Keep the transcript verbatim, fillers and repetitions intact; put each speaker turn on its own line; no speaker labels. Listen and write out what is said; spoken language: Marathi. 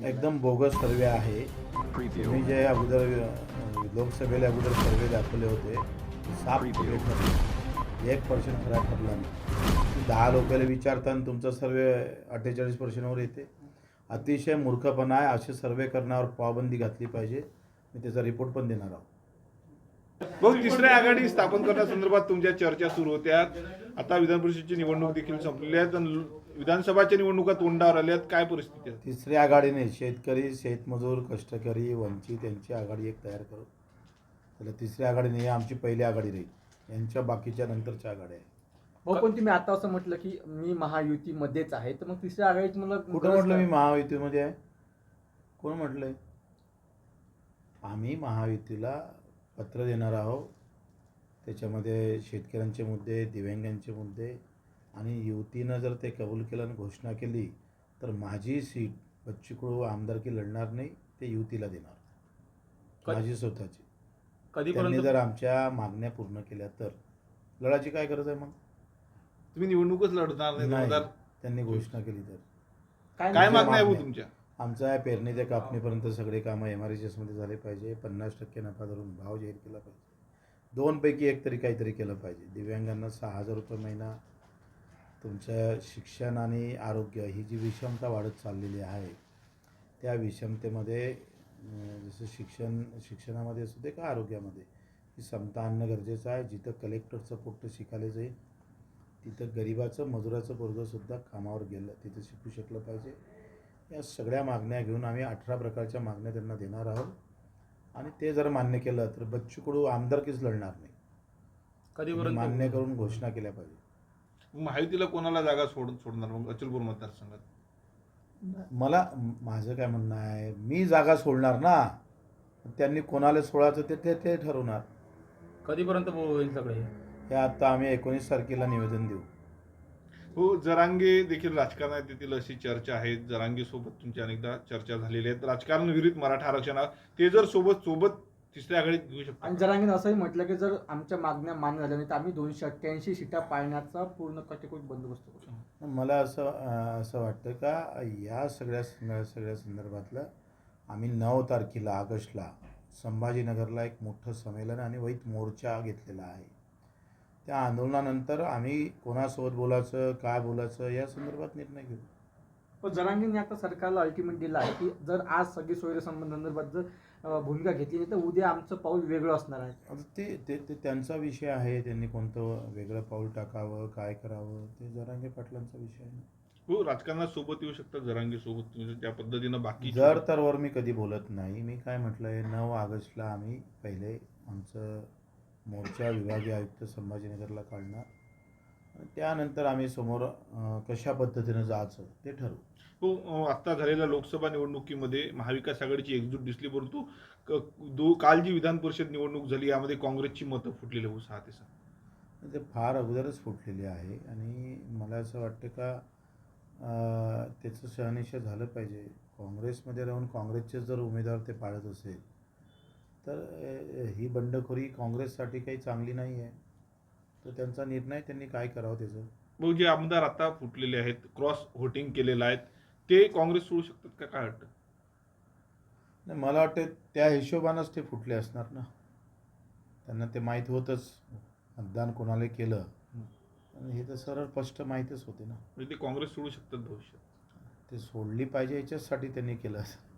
एकदम बोगस सर्वे आहे. तुम्ही जे अगोदर अ, लोकसभेला अगोदर सर्वे दाखवले होते साफ खोटे ठरले. एक पर्सेंट खरा ठरला नाही. दहा लोकांना विचारताना तुमचा सर्वे अठ्ठेचाळीस पर्सेंटवर येते. अतिशय मूर्खपणा आहे. असे सर्वे करण्यावर पाबंदी घातली पाहिजे. मी त्याचा रिपोर्ट पण देणार आहोत.
भाऊ, तिसऱ्या आघाडी स्थापन करण्यासंदर्भात तुमच्या चर्चा सुरू होत्या. आता विधान परिषदेची निवडणूक देखील संपलेली आहे आणि विधानसभाच्या निवडणुका तोंडावर आल्यात. काय परिस्थिती आहे?
तिसरी आघाडीने शेतकरी, शेतमजूर, कष्टकरी, वंचित यांची आघाडी एक तयार करू. त्याला तिसरी आघाडी नाही, आमची पहिली आघाडी राहील. यांच्या बाकीच्या नंतरच्या आघाड्या आहे.
भाऊ, पण तुम्ही आता असं म्हटलं की मी महायुतीमध्येच आहे, तर मग तिसऱ्या आघाडीत मला
कुठं म्हटलं मी महायुतीमध्ये आहे? कोण म्हटलंय? आम्ही महायुतीला पत्र देणार आहोत. त्याच्यामध्ये शेतकऱ्यांचे मुद्दे, दिव्यांगांचे मुद्दे आणि युतीनं जर ते कबूल केलं आणि घोषणा केली तर माझी सीट बच्चू कडू आमदारकी लढणार नाही, ते युतीला देणार, माझी स्वतःची. त्यांनी जर आमच्या मागण्या पूर्ण केल्या तर लढायची काय गरज आहे? मग
तुम्ही निवडणूकच लढणार नाही.
नाही,
दोन हजार
त्यांनी घोषणा केली तर
काय मागण्या आहे भाऊ तुमच्या?
आमचं आहे पेरणी ते कापणीपर्यंत सगळे कामं एम आर एच एसमध्ये झाले पाहिजे. पन्नास टक्के नफा धरून भाव जाहीर केला पाहिजे. दोनपैकी एक तरी काहीतरी केलं पाहिजे. दिव्यांगांना सहा हजार रुपये महिना. तुमचं शिक्षण आणि आरोग्य ही जी विषमता वाढत चाललेली आहे त्या विषमतेमध्ये अं, जसं शिक्षण शिक्षणामध्ये असू दे का आरोग्यामध्ये ही समता आणणं गरजेचं आहे. जिथं कलेक्टरचं पोट्ट शिकायला जाईल तिथं गरिबाचं मजुराचं पोरगंसुद्धा कामावर गेलं तिथं शिकू शकलं पाहिजे. या सगळ्या मागण्या घेऊन आम्ही अठरा प्रकारच्या मागण्या त्यांना देणार आहोत आणि ते जर मान्य केलं तर बच्चू कडू आमदारकीच लढणार नाही.
कधीपर्यंत
मान्य करून घोषणा केल्या पाहिजे.
महायुतीला कोणाला जागा सोड सोडणार मग अचलपूर मतदारसंघात?
मला माझं काय म्हणणं आहे, मी जागा सोडणार ना, त्यांनी कोणाला सोडायचं ते ते ते ठरवणार.
कधीपर्यंत होईल सगळे?
हे आता आम्ही एकोणीस तारखेला निवेदन देऊ.
हो, जरांगे देखील राजकारणात येतील अशी चर्चा आहे. जरांगे सोबत तुमची अनेकदा चर्चा झालेली आहे. राजकारण विरुद्ध मराठा आरक्षण ते जर सोबत सोबत तिसऱ्या आघाडीत घेऊ शकतो.
आणि जरांगीने असंही म्हटलं की जर आमच्या मागण्या मान्य झाल्या नाही तर आम्ही दोनशे अठ्ठ्याऐंशी सीटा पाळण्याचा पूर्ण कटेकोट बंदोबस्त करू.
मला असं अं, असं वाटतं का या सगळ्या सगळ्या संदर्भातलं आम्ही नऊ तारखेला ऑगस्टला संभाजीनगरला एक मोठं संमेलन आणि वैत मोर्चा घेतलेला आहे. त्या आंदोलनानंतर आम्ही कोणासोबत बोलायचं, काय बोलायचं या संदर्भात निर्णय घेऊ.
पण जरांगीने आता सरकारला अल्टिमेट दिला आहे की जर आज सगळी सोयीसंबंधांसंदर्भात जर अं, भूमिका घेतली नाही तर उद्या आमचं पाऊल वेगळं असणार आहे.
आता ते ते ते त्यांचा विषय आहे. त्यांनी कोणतं वेगळं पाऊल टाकावं, काय करावं ते जरांगे पाटलांचा विषय आहे.
हो, राजकारणात सोबत येऊ शकतात जरांगे सोबत तुम्ही त्या पद्धतीनं. बाकी
जर तर वर मी कधी बोलत नाही. मी काय म्हटलं आहे, नऊ ऑगस्टला आम्ही पहिले आमचं मोर्चा विभागीय आयुक्त संभाजीनगरला काढणार आणि त्यानंतर आम्ही समोर अं, कशा पद्धतीनं जायचं ते ठरवू.
हो, आता झालेल्या लोकसभा निवडणुकीमध्ये महाविकास आघाडीची एकजूट दिसली, परंतु क- दो काल जी विधान परिषद निवडणूक झाली यामध्ये काँग्रेसची मतं फुटलेली हो सहा ते सहा.
ते फार अगोदरच फुटलेली आहे आणि मला असं वाटतं का अं, त्याचं शहानिशा झालं पाहिजे. काँग्रेसमध्ये राहून काँग्रेसचे जर उमेदवार ते पाळत असेल तर अं, ही बंडखोरी काँग्रेससाठी काही चांगली नाही आहे. तर त्यांचा निर्णय त्यांनी काय करावं त्याचं.
भाऊ, जे आमदार आता फुटलेले आहेत, क्रॉस व्होटिंग केलेलं आहेत, ते काँग्रेस सोडू शकतात का? काय वाटतं?
नाही, मला वाटतं त्या हिशोबानंच ते फुटले असणार ना. त्यांना ते माहीत होतंच मतदान कोणाला केलं आणि हे तर सरळ स्पष्ट माहीतच होते ना.
म्हणजे ते काँग्रेस सोडू शकतात भविष्यात.
ते सोडली पाहिजे याच्याचसाठी त्यांनी केलं असं.